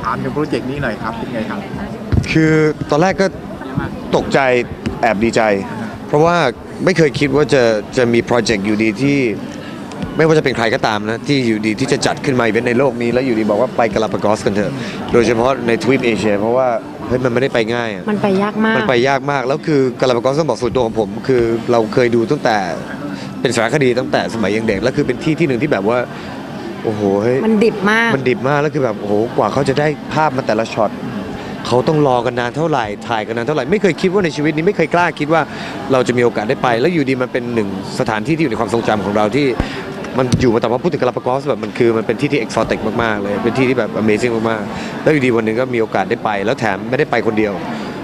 ถามถึงโปรเจกต์นี้หน่อยครับเป็นไงครับคือตอนแรกก็ตกใจแอบดีใจเพราะว่าไม่เคยคิดว่าจะมีโปรเจกต์อยู่ดีที่ไม่ว่าจะเป็นใครก็ตามนะที่อยู่ดีที่จะจัดขึ้นมาในโลกนี้แล้วอยู่ดีบอกว่าไปกาลาปากอสกันเถอะโดยเฉพาะในทวีปเอเชียเพราะว่าเฮ้ยมันไม่ได้ไปง่ายมันไปยากมากมันไปยากมากแล้วคือกาลาปากอสต้องบอกส่วนตัวของผมคือเราเคยดูตั้งแต่เป็นสารคดีตั้งแต่สมัยยังเด็กแล้วคือเป็นที่หนึ่งที่แบบว่าโอ้โหเฮ้ยมันดิบมากแล้วคือแบบโอ้โหกว่าเขาจะได้ภาพมาแต่ละช็อตเขาต้องรอกันนานเท่าไหร่ถ่ายกันนานเท่าไหร่ไม่เคยคิดว่าในชีวิตนี้ไม่เคยกล้าคิดว่าเราจะมีโอกาสได้ไปแล้วอยู่ดีมันเป็นหนึ่งสถานที่ที่อยู่ในความทรงจำของเราที่มันอยู่มาแต่ว่าพูดถึงกาลาปากอสแบบมันเป็นที่ที่เอกซอติกมากๆเลยเป็นที่ที่แบบ Amazing มากๆแล้วอยู่ดีวันหนึ่งก็มีโอกาสได้ไปแล้วแถมไม่ได้ไปคนเดียว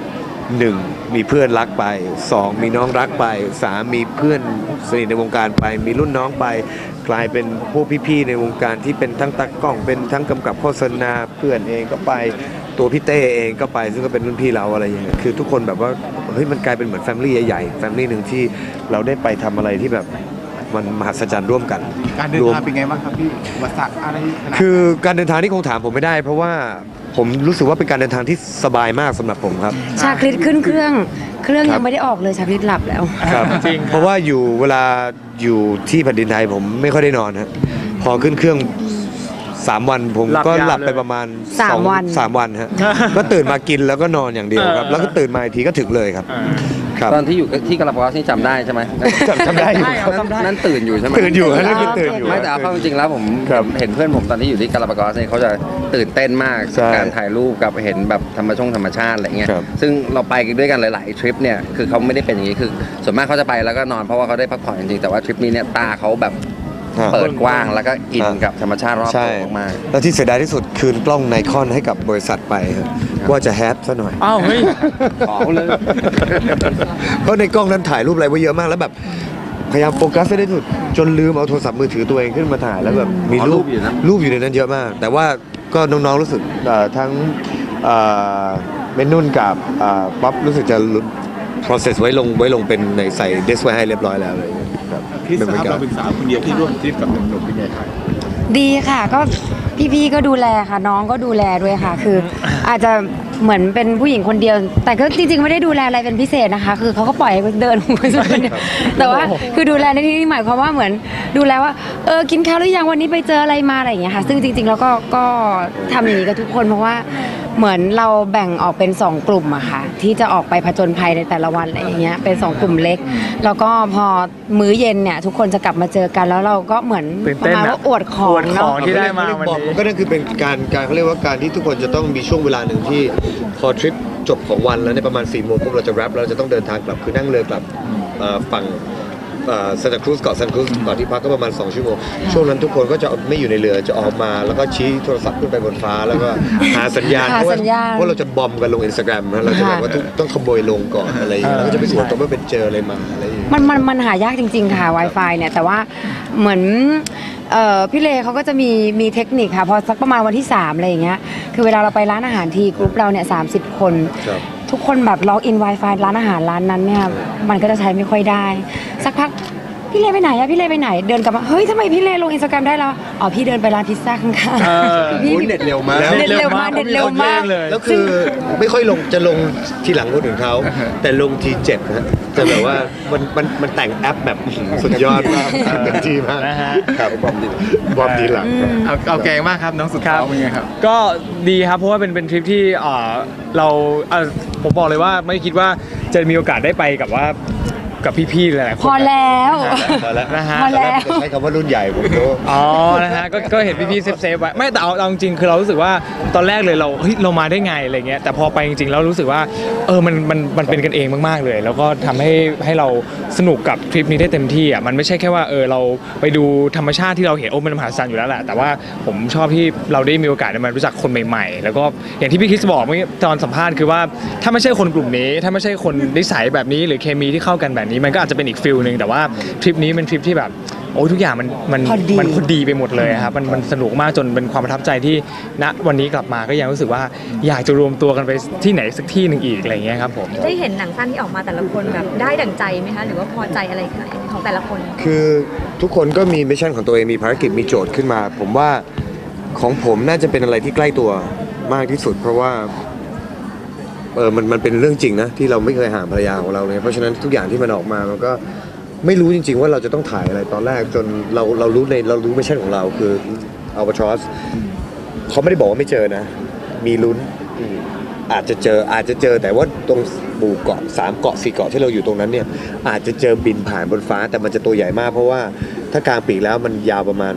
1มีเพื่อนรักไป2มีน้องรักไป3มีเพื่อนสนิทในวงการไปมีรุ่นน้องไปกลายเป็นพวกพี่ๆในวงการที่เป็นทั้งตากล้องเป็นทั้งกำกับโฆษณาเพื่อนเองก็ไปตัวพี่เต้เองก็ไปซึ่งก็เป็นรุ่นพี่เราอะไรอย่างเงี้ยคือทุกคนแบบว่าเฮ้ยมันกลายเป็นเหมือนแฟมิลี่ใหญ่ๆแฟมิลี่หนึ่งที่เราได้ไปทำอะไรที่แบบมันมหัศจรรย์ร่วมกันการเดินทางเป็นไงบ้างครับพี่อุปสรรคอะไรคือการเดินทางที่คงถามผมไม่ได้เพราะว่าผมรู้สึกว่าเป็นการเดินทางที่สบายมากสำหรับผมครับชาคริตขึ้นเครื่องยังไม่ได้ออกเลยชาคริตหลับแล้วครับจริงเพราะว่าเวลาอยู่ที่แผ่นดินไทยผมไม่ค่อยได้นอนฮะพอขึ้นเครื่อง3 วันผมก็หลับไปประมาณ3 วันฮะก็ตื่นมากินแล้วก็นอนอย่างเดียวครับแล้วก็ตื่นมาอีกทีก็ถึงเลยครับตอนที่อยู่ที่กาลาปากอสนี่จำได้ใช่ไหมจำได้อยู่นั่นตื่นอยู่ใช่ไหมตื่นอยู่นั่นคือตื่นอยู่ไม่แต่เอาจริงๆแล้วผมเห็นเพื่อนผมตอนที่อยู่ที่กาลาปากอสเนี่ยเขาจะตื่นเต้นมากการถ่ายรูปกับเห็นแบบธรรมชาติอะไรเงี้ยซึ่งเราไปด้วยกันหลายๆทริปเนี่ยคือเขาไม่ได้เป็นอย่างนี้คือส่วนมากเขาจะไปแล้วก็นอนเพราะว่าเขาได้พักผ่อนจริงๆแต่ว่าทริปนี้เนี่ยตาเขาแบบเปิดกว้างแล้วก็อินกับธรรมชาติรอบตัวมากแล้วที่เสียดายที่สุดคืนกล้องไนคอนให้กับบริษัทไปว่าจะแฮปซะหน่อยอ้าวเฮ้ยขอเลยเพราะในกล้องนั้นถ่ายรูปอะไรไว้เยอะมากแล้วแบบพยายามโฟกัสให้ได้สุดจนลืมเอาโทรศัพท์มือถือตัวเองขึ้นมาถ่ายแล้วแบบมีรูปอยู่ในนั้นเยอะมากแต่ว่าก็น้องๆรู้สึกทั้งเมนุ่นกับป๊อปรู้สึกจะ process ไว้ลงเป็นในใส่เดสไว้ให้เรียบร้อยแล้วเลยพี่สาวเราเป็นสาวคนเดียวที่ร่วมทริปกับหนุ่มๆเป็นไงครับดีค่ะก็พี่ๆก็ดูแลค่ะน้องก็ดูแลด้วยค่ะคืออาจจะเหมือนเป็นผู้หญิงคนเดียวแต่ก็จริงๆไม่ได้ดูแลอะไรเป็นพิเศษนะคะคือเขาก็ปล่อยให้เดินของคนเดียวแต่ว่าคือดูแลในที่นี้หมายความว่าเหมือนดูแลว่ากินข้าวหรือยังวันนี้ไปเจออะไรมาอะไรอย่างเงี้ยค่ะซึ่งจริงๆแล้วก็ทำอย่างนี้กับทุกคนเพราะว่าเหมือนเราแบ่งออกเป็น2กลุ่มอะค่ะที่จะออกไปผจญภัยในแต่ละวันอะไรอย่างเงี้ยเป็น2กลุ่มเล็กแล้วก็พอมื้อเย็นเนี่ยทุกคนจะกลับมาเจอกันแล้วเราก็เหมือนประมาณว่าอวดของเนาะที่ได้มาวันนี้ก็นั่นคือเป็นการเขาเรียกว่าการที่ทุกคนจะต้องมีช่วงเวลาหนึ่งที่พอทริปจบของวันแล้วในประมาณ4 โมงปุ๊บเราจะแรปเราจะต้องเดินทางกลับคือนั่งเรือกลับฝั่งซานตาครูซเกาะซานตาครูซก่อนที่พักก็ประมาณ2 ชั่วโมงช่วงนั้นทุกคนก็จะไม่อยู่ในเรือจะออกมาแล้วก็ชี้โทรศัพท์ขึ้นไปบนฟ้าแล้วก็หาสัญญาณเพราะว่าเราจะบอมกันลง Instagram นะเราจะแบบว่าต้องขโมยลงก่อนอะไรอย่างเงี้ยแล้วก็จะไปสวนตัวว่าเป็นเจออะไรมาอะไรอย่างเงี้ยมันหายากจริงๆค่ะ Wi-Fi เนี่ยแต่ว่าเหมือนพี่เลเขาก็จะมีเทคนิคค่ะพอสักประมาณวันที่3อะไรอย่างเงี้ยคือเวลาเราไปร้านอาหารทีกรุ๊ปเราเนี่ย30 คนทุกคนแบบล็อกอิน Wi-Fi ร้านอาหารร้านนั้นเนี่ยมันก็จะใช้ไม่ค่อยได้สักพักพี่เลไปไหนอะพี่เลไปไหนเดินกลับมาเฮ้ยทำไมพี่เลลง Instagram ได้แล้วอ๋อพี่เดินไปร้านพิซซ่าข้างๆพี่เน็ตเร็วมากเน็ตเร็วมากแล้วคือไม่ค่อยลงจะลงทีหลังคนอื่นเขาแต่ลงทีเจ็บนะจะแบบว่ามันแต่งแอปแบบสุดยอดมากเป็นทีมากครับบอมดีหลังเอาแกงมากครับน้องสุดท้ายเป็นไงครับก็ดีครับเพราะว่าเป็นทริปที่เราผมบอกเลยว่าไม่คิดว่าจะมีโอกาสได้ไปกับพี่ๆหลายๆคนพอแล้วนะฮะใช้คำว่ารุ่นใหญ่ผมรู้นะฮะก็เห็นพี่ๆเซฟไว้ไม่แต่เอาจริงคือเรารู้สึกว่าตอนแรกเลยเรามาได้ไงอะไรเงี้ยแต่พอไปจริงๆแล้วรู้สึกว่ามันเป็นกันเองมากๆเลยแล้วก็ทำให้เราสนุกกับทริปนี้ได้เต็มที่อ่ะมันไม่ใช่แค่ว่าเราไปดูธรรมชาติที่เราเห็นมันมหัศจรรย์อยู่แล้วแหละแต่ว่าผมชอบที่เราได้มีโอกาสได้มารู้จักคนใหม่ๆแล้วก็อย่างที่พี่คริสบอกเมื่อกี้ตอนสัมภาษณ์คือว่าถ้าไม่ใช่คนกลุ่มนี้ถ้าไม่ใช่คนนิสัยแบบนี้หรือเคมีที่เข้ากันแบบนี้มันก็อาจจะเป็นอีกฟิลนึงแต่ว่าทริปนี้เป็นทริปที่แบบโอ้ทุกอย่างมันพอดีไปหมดเลยครับมันสนุกมากจนเป็นความประทับใจที่ณวันนี้กลับมาก็ยังรู้สึกว่าอยากจะรวมตัวกันไปที่ไหนสักที่หนึ่งอีกอะไรเงี้ยครับผมได้เห็นหนังสั้นที่ออกมาแต่ละคนแบบได้ดั่งใจไหมคะหรือว่าพอใจอะไรของแต่ละคนคือทุกคนก็มีมิชชั่นของตัวเองมีภารกิจมีโจทย์ขึ้นมาผมว่าของผมน่าจะเป็นอะไรที่ใกล้ตัวมากที่สุด เพราะว่ามันเป็นเรื่องจริงนะที่เราไม่เคยห่างภรรยาของเราเลยเพราะฉะนั้นทุกอย่างที่มันออกมามันก็ไม่รู้จริงๆว่าเราจะต้องถ่ายอะไรตอนแรกจนเรารู้ไม่ใช่ของเราคืออัลบาทรอสเขาไม่ได้บอกว่าไม่เจอนะมีลุ้นอาจจะเจอแต่ว่าตรงหมู่เกาะ3 เกาะ 4 เกาะที่เราอยู่ตรงนั้นเนี่ยอาจจะเจอบินผ่านบนฟ้าแต่มันจะตัวใหญ่มากเพราะว่าถ้ากลางปีกแล้วมันยาวประมาณ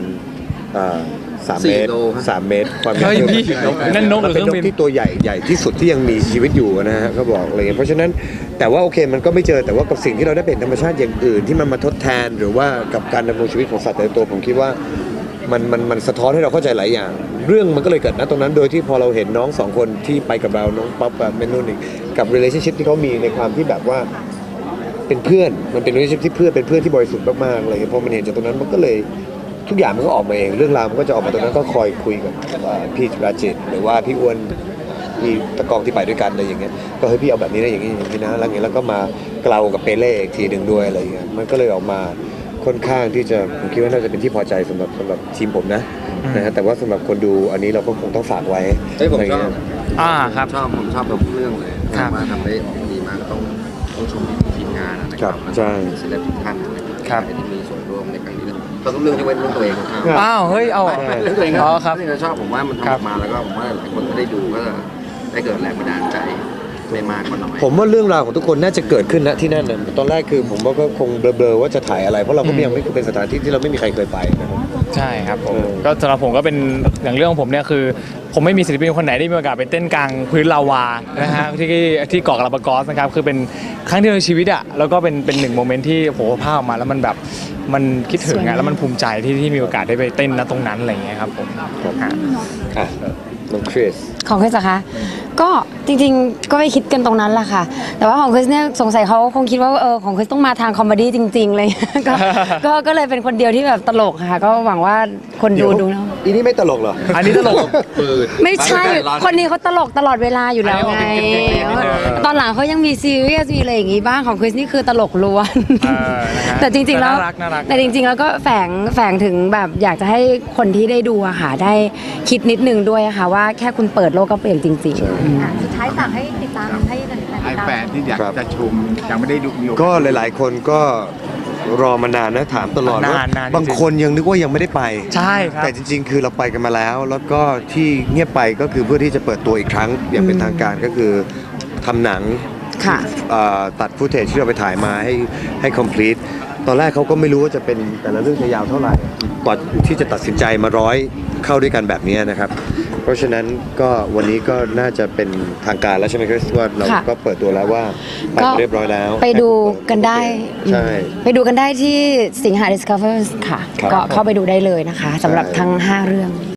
3 เมตร 3 เมตรความยาวนั่นนกหรือเป็นเคน รื่องกบินที่ตัวใหญ่ที่สุดที่ยังมีชีวิตอยู่นะฮะเขาบอกอะไรเงี้ยเพราะฉะนั้นแต่ว่าโอเคมันก็ไม่เจอแต่ว่ากับสิ่งที่เราได้เป็นธรรมชาติอย่างอื่นที่มันมาทดแทนหรือว่ากับการดำรงชีวิตของสัตว์แต่ละตัวผมคิดว่ามันสะท้อนให้เราเข้าใจหลายอย่างเรื่องมันก็เลยเกิดณตรงนั้นโดยที่พอเราเห็นน้อง2 คนที่ไปกับเราน้องป๊อปกับแมนนุ่นกับ relationship ที่เขามีในความที่แบบว่าเป็นเพื่อนมันเป็น relationship ที่เป็นเพื่อนที่บริสุทธิ์มากๆอะไรเงี้ยพอมันเห็นจากตรงนั้นมันก็เลยทุกอย่างมันก็ออกมาเองเรื่องราวมันก็จะออกมาตรงนั้นก็คอยคุยกับพี่ราจิตหรือว่าพี่อ้วนพี่ตะกองที่ไปด้วยกันอะไรอย่างเงี้ยก็ให้พี่เอาแบบนี้นะอย่างนี้นะแล้วอย่างเงี้ยแล้วก็มาเกลากับเปเล่อีกทีหนึ่งด้วยอะไรอย่างเงี้ยมันก็เลยออกมาค่อนข้างที่จะผมคิดว่าน่าจะเป็นที่พอใจสำหรับทีมผมนะฮะแต่ว่าสำหรับคนดูอันนี้เราก็คงต้องฝากไว้ผมชอบครับผมชอบทุกเรื่องเลยครับว่าทำได้ออกมาดีมากก็ต้องชมทีมงานนะคครัรับบใช่ศิลปินทุกท่านนะครับที่มีส่วนร่วมในครั้งนี้เราต้องเรื่องที่เว้นเรื่องตัวเองอ้าวเฮ้ยเอาเรื่องตัวเองอ๋อครับที่เราชอบผมว่ามันทำออกมาแล้วก็ผมว่าหลายคนก็ได้ดูก็ได้เกิดแรงบันดาลใจไม่มากก็น้อยผมว่าเรื่องราวของทุกคนน่าจะเกิดขึ้นณที่นั่นนะตอนแรกคือผมว่าก็คงเบลอๆว่าจะถ่ายอะไรเพราะเราก็ยังไม่เป็นสถานที่ที่เราไม่มีใครเคยไปนะครับใช่ครับผมก็สำหรับผมก็เป็นอย่างเรื่องของผมเนี่ยคือ ผมไม่มีศิลปินคนไหนได้มีโอกาสไปเต้นกลางพื้นลาวานะฮะที่เกาะกาลาปากอสนะครับคือเป็นครั้งเดียวในชีวิตอ่ะแล้วก็เป็น1 โมเมนต์ที่โหภาพออกมาแล้วมันแบบมันคิดถึงอ่ะแล้วมันภูมิใจที่มีโอกาสได้ไปเต้นณตรงนั้นอะไรอย่างเงี้ยครับผมฮะอ่ะน้องคริสของคริสอะคะก็จริงๆก็ไม่คิดกันตรงนั้นแหละค่ะ แต่ว่าของคริสเนี่ยสงสัยเขาคงคิดว่าของคริสต้องมาทางคอมเมดี้จริงๆเลย ก็เลยเป็นคนเดียวที่แบบตลกค่ะก็หวังว่าคนดูนะอีนี่ไม่ตลกเหรออันนี้ตลกไม่ใช่ คนนี้เขาตลกตลอดเวลาอยู่แล้วไง ตอนหลังเขายังมีซีเรียสมีอะไรอย่างงี้บ้างของคริสนี่คือตลกล้วนนะฮะแต่จริงๆแล้วน่ารักแต่จริงๆแล้วก็แฝงถึงแบบอยากจะให้คนที่ได้ดูอะค่ะได้คิดนิดนึงด้วยอะค่ะว่าแค่คุณเปิดโลกก็เปลี่ยนจริงๆสุดท้ายฝากให้ติดตามให้แฟนๆติดไอ้ตามแฟนที่อยากจะชมยังไม่ได้ดูมีโอกาสก็หลายๆคนก็รอมานานนะถามตลอดว่านานๆบางคนยังนึกว่ายังไม่ได้ไปใช่ครับแต่จริงๆ คือเราไปกันมาแล้ว แล้วก็ที่เงียบไปก็คือเพื่อที่จะเปิดตัวอีกครั้งอย่างเป็นทางการก็คือทำหนังค่ะตัดฟุตเทจที่เราไปถ่ายมาให้ complete ตอนแรกเขาก็ไม่รู้ว่าจะเป็นแต่ละเรื่องจะยาวเท่าไหร่กว่าที่จะตัดสินใจมาร้อยเข้าด้วยกันแบบนี้นะครับ เพราะฉะนั้นก็วันนี้ก็น่าจะเป็นทางการแล้วใช่ไหมครับว่าเราค่ะก็เปิดตัวแล้วว่าไปเรียบร้อยแล้วไปดูกันได้ใช่ไปดูกันได้ที่สิงหา Discover ค่ะครับก็เข้าไปดูได้เลยนะคะสำหรับทั้ง 5 เรื่อง